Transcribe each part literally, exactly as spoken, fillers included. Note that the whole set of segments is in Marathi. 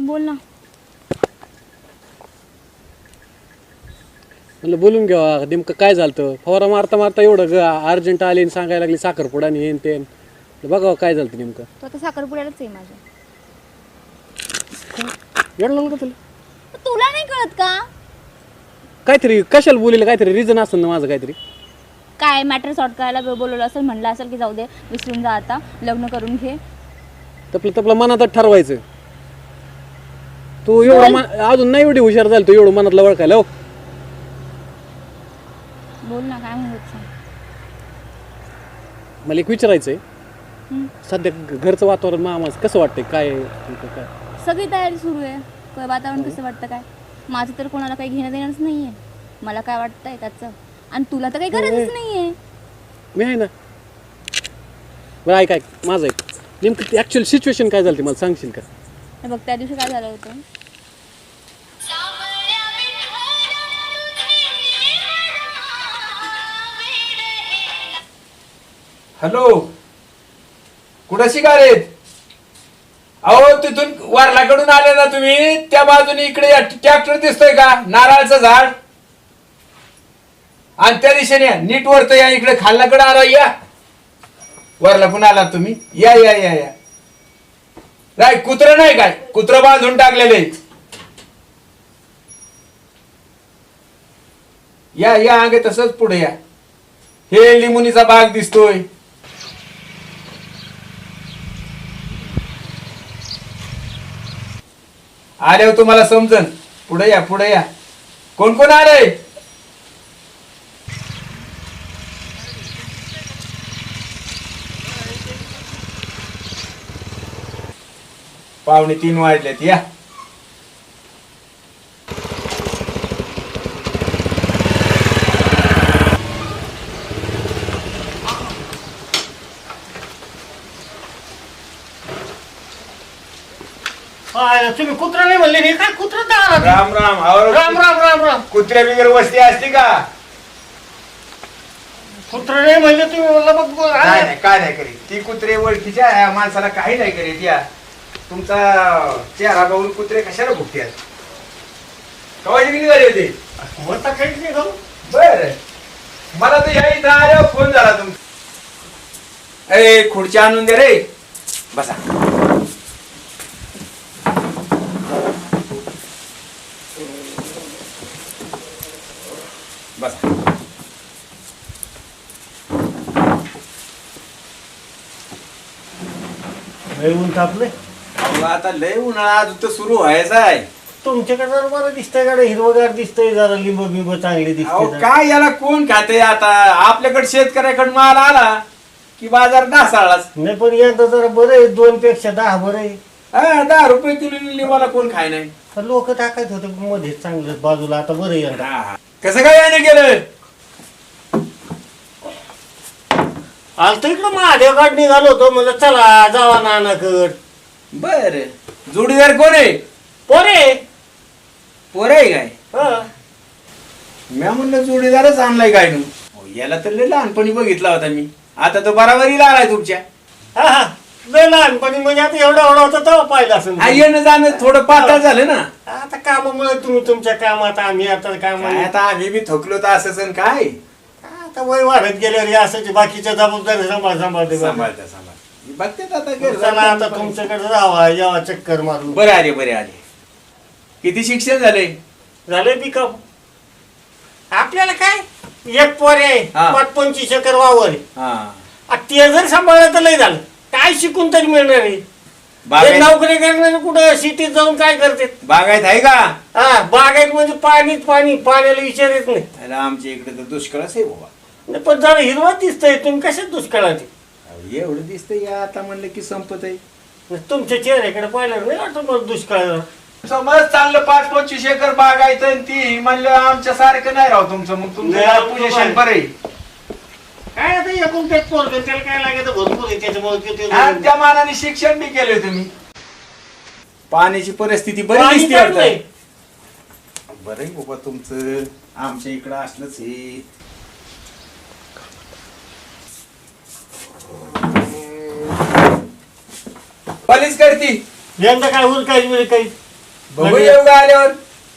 बोल ना. म्हणलं बोलून घ्यावा नेमकं काय झालं. फवारा मारता मारता एवढं ग अर्जंट आले आणि सांगायला लागली साखरपुडा आणि हेन तेन. बघावं काय झालं नेमकं. तो आता साखरपुड्यालाच आहे माझ्या. एवढं लागलं का तुला? तुला नाही कळत का? काहीतरी कशाला बोलेलं काहीतरी रिझन असेल ना माझं काहीतरी. काय मॅटर सॉर्ट करायला बोलवलं असेल, म्हणलं असेल की जाऊ दे विसरून जा आता लग्न करून घे. तपलं तपलं मनातच ठरवायचं. तू एवढं अजून नाही एवढी हुशार झाली तू एवढं मनातलं ओळखायला. हो बोल ना काय म्हणत सांग. मला एक विचारायचंय. सध्या घरचं वातावरण मामाचं कसं वाटतंय काय काय? सगळी तयारी सुरू आहे. काय वातावरण कसं वाटतं काय? माझं तर कोणाला काही घेणं देणंच नाहीये. मला काय वाटतंय त्याचं आणि तुला तर काही गरजच नाहीये. मी आहे ना. बरं ऐक ऐक माझं ऐक नेमकं ॲक्च्युअल सिच्युएशन काय झालं ते मला सांगशील का? हे बघ त्या दिवशी काय झालं होतं. हॅलो कुठं शिकारेत? अहो तिथून वारलाकडून आले ना तुम्ही त्या बाजूने इकडे ट्रॅक्टर दिसतोय का नारळाचं झाड आणि त्या दिशेने नीट वरत या इकडे खाल्लाकडे आला या वरला पण आला तुम्ही या या या या काय कुत्र नाही काय कुत्र बांधून टाकलेले या या आगे तसंच पुढे या. हे लिंबुनीचा बाग दिसतोय. आल्यावर तुम्हाला समजन. पुढे या पुढे या. कोण कोण आले? पावणे तीन वाजलेत या. तुम्ही कुत्रा नाही म्हणले नाही काय कुत्रा राम राम राम राम राम राम. कुत्र्या बिगर वस्ती असते का? कुत्रा नाही म्हणले तुम्ही म्हणलं मग काय नाही काय नाही करीत ती कुत्रे ओळखीच्या आहे, माणसाला काही नाही करीत. या तुमचा चेहरा बघून कुत्रे कशाला भुकतात? कवाची किती झाली होती? म्हणता काहीच नाही खाऊ. बर मला तर या इथं आल्यावर फोन झाला तुमचा. ए खुर्ची आणून दे रे. बसा बसा. लय ऊन तापले. आता लय उन्हाळा अजून तर सुरू व्हायचा आहे. तुमच्याकडे जरा बरं दिसतंय गाडी हिरवगार दिसतंय जरा लिंब बिंब चांगली अहो दिसते. काय याला कोण खाते आता? आपल्याकडे शेतकऱ्याकडे माल आला की बाजार ढासाळाच. नाही पण यंदा जरा बरं आहे दोन पेक्षा दहा बरं आहे. हा दहा रुपये किलो लिंबाला कोण खाय नाही. लोक टाकायच होते मध्ये चांगलं बाजूला आता बरं यंदा. हा. कसं काय याने गेलं? आज तर इकडं महादेवगड निघालो होतो मला चला जावा नानाकड. बर जोडीदार कोण आहे? पोरे पोर आहे काय? हा. मी म्हणलं जोडीदारच आणलाय काय नू? याला तर लय लहानपणी बघितला होता मी. आता तो बराबरीला आलाय तुमच्या. हा हा लय लहानपणी म्हणजे आता एवढा एवढा होता तेव्हा पाहिलं असेल. हा, येणं जाणं थोडं पातळ झालं ना. आता कामामुळे तुम्ही तुमच्या कामात आम्ही आता काम काय आता आम्ही बी थकलो तर असंच आणि काय आता वय वाढत गेल्यावर हे असं बाकीच्या जबाबदारी सांभाळ सांभाळते सांभाळता सांभाळ बघते आता चला आता तुमच्याकडे जावा यावा चक्कर मारून. बरे आले बरे आले. किती शिक्षण झाले? झाले पिकअप. आपल्याला काय एक पोर आहे हा. पाच पंचवीस एकर वावर आहे. हा आ, ते जर सांभाळलं तर लय झालं. काय शिकून तरी मिळणार आहे? ते बागायत नोकरी करणारे कुठं सिटीत जाऊन काय करते? बागायत आहे का? हा बागायत म्हणजे पाणीच पाणी पाण्याला विचार येत नाही. अरे आमच्या इकडे तर दुष्काळच आहे बाबा. नाही, पण जरा हिरवा दिसतंय तुम्ही कशात दुष्काळात आहे? अहो, एवढं दिसतंय या आता म्हणलं की संपत आहे. तुमच्या चेहऱ्याकडे पाहिलं नाही वाटतं मला दुष्काळ. समज चांगलं पाच पंचवीस एकर बाग आहे तर ती म्हणलं आमच्या सारखं नाही राव तुमचं. मग तुमचं पोझिशन बरं आहे. काय आता एकूण ते पोरगं त्याला काय लागायचं भरपूर आहे त्याच्यामुळे किती- आणि त्या मानाने शिक्षण बी केले तुम्ही. पाण्याची परिस्थिती बरी पाणी दिसते चांगलं आहे. आता. बरं आहे बाबा तुमचं. आमच्या इकडं असलंच हे. पॉलिश करती यंदा काय होईल काही वेळी काही बघू योग आल्यावर.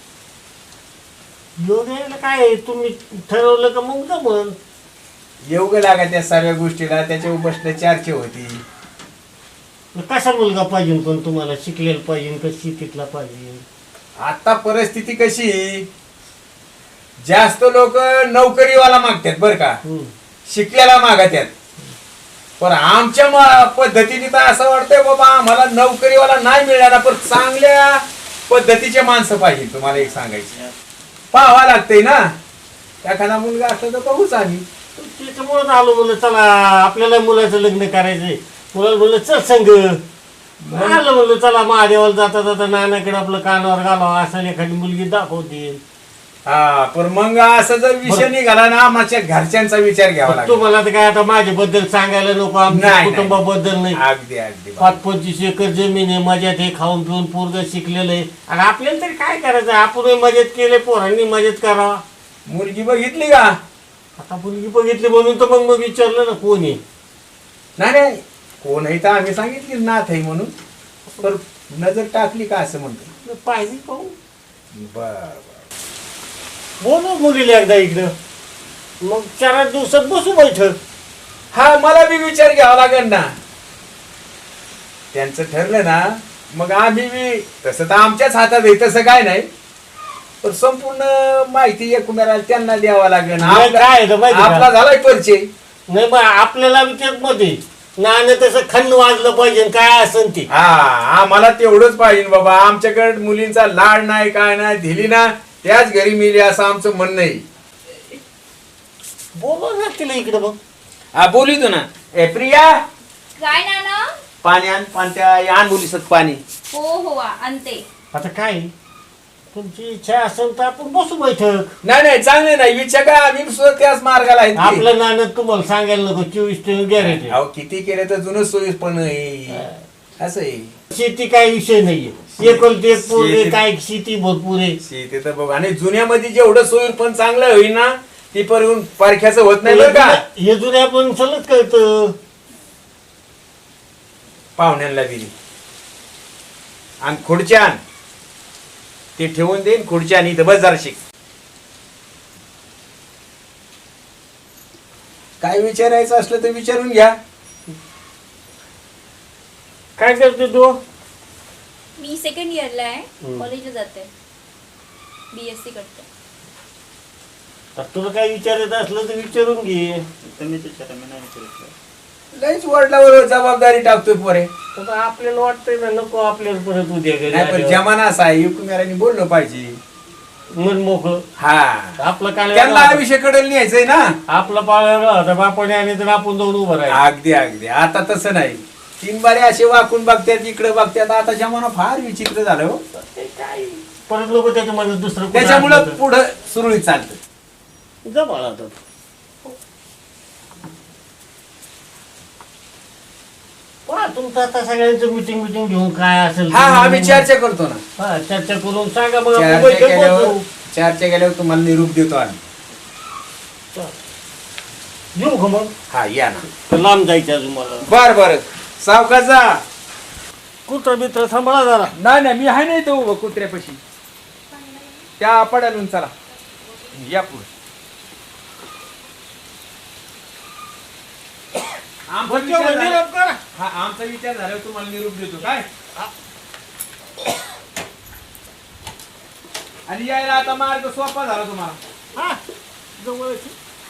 योग यायला काय आहे? तुम्ही ठरवलं का मग जमल. योग लागा त्या सर्व गोष्टीला, त्याच्यावर बसणं चर्चा होती. कसा मुलगा पाहिजे पण तुम्हाला? शिकलेला पाहिजे का शेतीतला पाहिजे? आता परिस्थिती कशी, जास्त लोक नोकरीवाला मागतात बर का, हम्म. शिकलेला मागतात. पण आमच्या म- पद्धतीने तर असं वाटतंय बाबा आम्हाला नोकरीवाला नाही मिळाला, पण चांगल्या पद्धतीचे माणसं पाहिजे. तुम्हाला एक सांगायचं पाहावं लागतंय ना, एखादा मुलगा असला तर बघूच आम्ही. त्याच्यामुळेच आलो म्हणलं चला आपल्याला मुलाचं लग्न करायचंय. मुलाला म्हणलं चल संग आलं म्हणलं चला महादेवाला जाता जाता नानाकडे आपलं कानावर घालावं असं एखादी मुलगी दाखवते. हा पण मग असं जर विषय निघाला ना, आमच्या घरच्यांचा विचार घ्यावा लागतो. तुम्हाला तर काय आता माझ्याबद्दल सांगायला नको, आमच्या नाही, कुटुंबाबद्दल नाही. अगदी अगदी पाच पंचवीस एकर जमीन आहे, मजात हे खाऊन पिऊन पोरग शिकलेलं आहे. आणि आपल्याला तरी काय करायचं? आपण मजेत केले, पोरांनी मजेत करावा. मुलगी बघितली का? आता मुलगी बघितली म्हणून तर मग मग विचारलं ना कोण आहे. नाही नाही, कोण आहे तर आम्ही सांगितली नाथ आहे म्हणून, तर नजर टाकली का असं म्हणतो. पाहिजे पाहू. बर बोलू मुलीला एकदा इकडं, मग चार आठ दिवसात बसू बैठक. हा मला बी विचार घ्यावा लागेल ना. त्यांचं ठरलं ना मग आम्ही बी, तसं तर आमच्याच हातात आहे तसं काय नाही, पण संपूर्ण माहिती एकमेकाला त्यांना द्यावा लागेल. नाही, आपला- काय आहे तर माहिती का? आपला झालाय परिचय. नाही मग आपल्याला बी त्याच मध्ये नाणं तसं खंड वाजलं पाहिजे काय असेल ते. हा आम्हाला तेवढंच पाहिजे बाबा. आमच्याकडे मुलींचा लाड नाही काय नाही, दिली ना त्याच घरी मिली असं आमचं म्हणणं आहे. बोलव ना तिला इकडं मग. हा बोलितो ना. ए प्रिया, काय नाना? पाणी आण, पाणी त्या आण मुलीसत पाणी. हो हो आणते. आता काय तुमची इच्छा असेल तर आपण बसू बैठक. नाही नाही चांगले नाही विचार काय, आम्ही सुद्धा त्याच मार्गाला आहे. आपलं नाणं तुम्हाला सांगायला नको, चोवीस टन गॅरेज. अहो किती केलं तर जुनं सोयीस पण आहे. असं आहे. शेती काय विषय नाहीये, एकोलते एक पोरगे शेती- काय शेती भरपूर आहे. शेती तर बघ, आणि जुन्यामध्ये जेवढं सोयीर पण चांगलं होईल ना ती पण पारख्याचं होत नाही बरं का. हे जुन्या पण सलग कळतं. पाहुण्यांना दिली आणि खुर्च्या आण, ते ठेवून देईन खुर्च्या आणि इथं बस जरा शिक. काय विचारायचं असलं तर विचारून घ्या. काय करते तू? मी सेकंड इयरला आहे, हम्म. कॉलेजला जाते, बी एस सी करते. तर तुला काय विचारायचं असलं तर विचारून घे. लईच वडिलावर जबाबदारी टाकतोय पोरे. तर आपल्याला वाटतंय ना नको आपल्याला परत उद्या घरी नाही पण आल्यावर. जमाना असा आहे, युकुमेरांनी बोललं पाहिजे. मन मोकळं. हा आपलं काय त्यांना आयुष्याकडे न्यायचंय ना. आपला पाळायला होता बापाने आणि तर आपण जाऊन उभं राहायचं. अगदी अगदी. आता तसं नाही, तीन बारे असे वाकून बघतात इकडे बघतात. आता जमाना फार विचित्र झालं हो. ते काय परत लोक त्याच्यामध्ये दुसरं कुठं त्याच्यामुळं आणलं तर. पुढं सुरळीत चालतं. जा बाळा आता. पहा तुमचं आता सगळ्यांचं मिटिंग मिटिंग घेऊन काय असेल हा हा आम्ही चर्चा करतो ना. हा, चर्चा करून सांगा मग आपण चर्चा बैठक केल्यावर बसू. चर्चा केल्यावर तुम्हाला निरूप देतो आम्ही. येऊ का मग? हा या ना. तर लांब जायचं अजून मला. बर बर सावकाश जा. कुत्र बित्र सांभाळा जरा. नाही नाही मी आहे नाही तो उभं कुत्र्यापाशी. त्या पडालून चला या पुढे. आमचा विचार झाला- निरोप करा. हा आमचा विचार झाल्यावर तुम्हाला निरूप देतो काय. आणि यायला आता मार्ग सोपा झाला तुम्हाला. हा जवळच.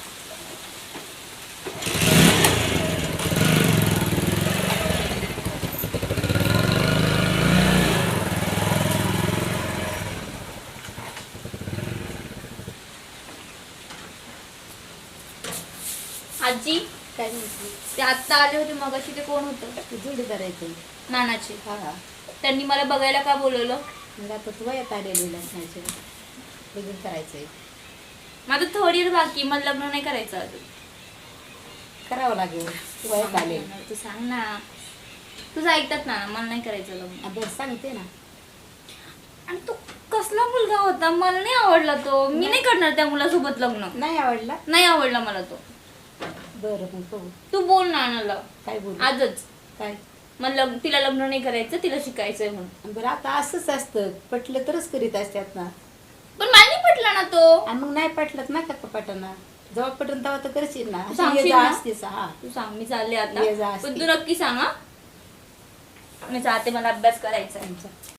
आजी काय म्हणते? ते आत्ता आले होते मगाशी, ते कोण होतं? तू जोडी करायचं. नानाचे. हा हा. त्यांनी मला बघायला का बोलवलं? मग आता तू वयात आलेली लग्नाचे लग्न करायचंय. माझं थर्ड इयर बाकी, मला लग्न नाही करायचं अजून. करावं लागेल. तू वयात आले. तू सांग ना, तुझं ऐकतात ना, मला नाही करायचं लग्न. अभ्यास सांगते ना. आणि तो कसला मुलगा होता, मला नाही आवडला तो. मी नाही करणार त्या मुलासोबत लग्न. नाही आवडला? नाही आवडला मला तो. बरं मग बघू. तू बोल नानाला काय बोलू? आजच. काय? मला लग्न तिला लग्न नाही करायचं, तिला शिकायचंय म्हणून. बरं आता असंच असतं, पटलं तरच करीत असतात ना. पण मला नाही पटला ना तो. आणि मग नाही पटलं ना का कपाटाना, जेव्हा पटन तेव्हा तर करशील ना. तू सांगशील ये जा ना? असतेस, हा. तू सांग, मी चालले ये जा आता. असते. पण तू नक्की सांग हा. मी जाते, मला अभ्यास करायचा आहे.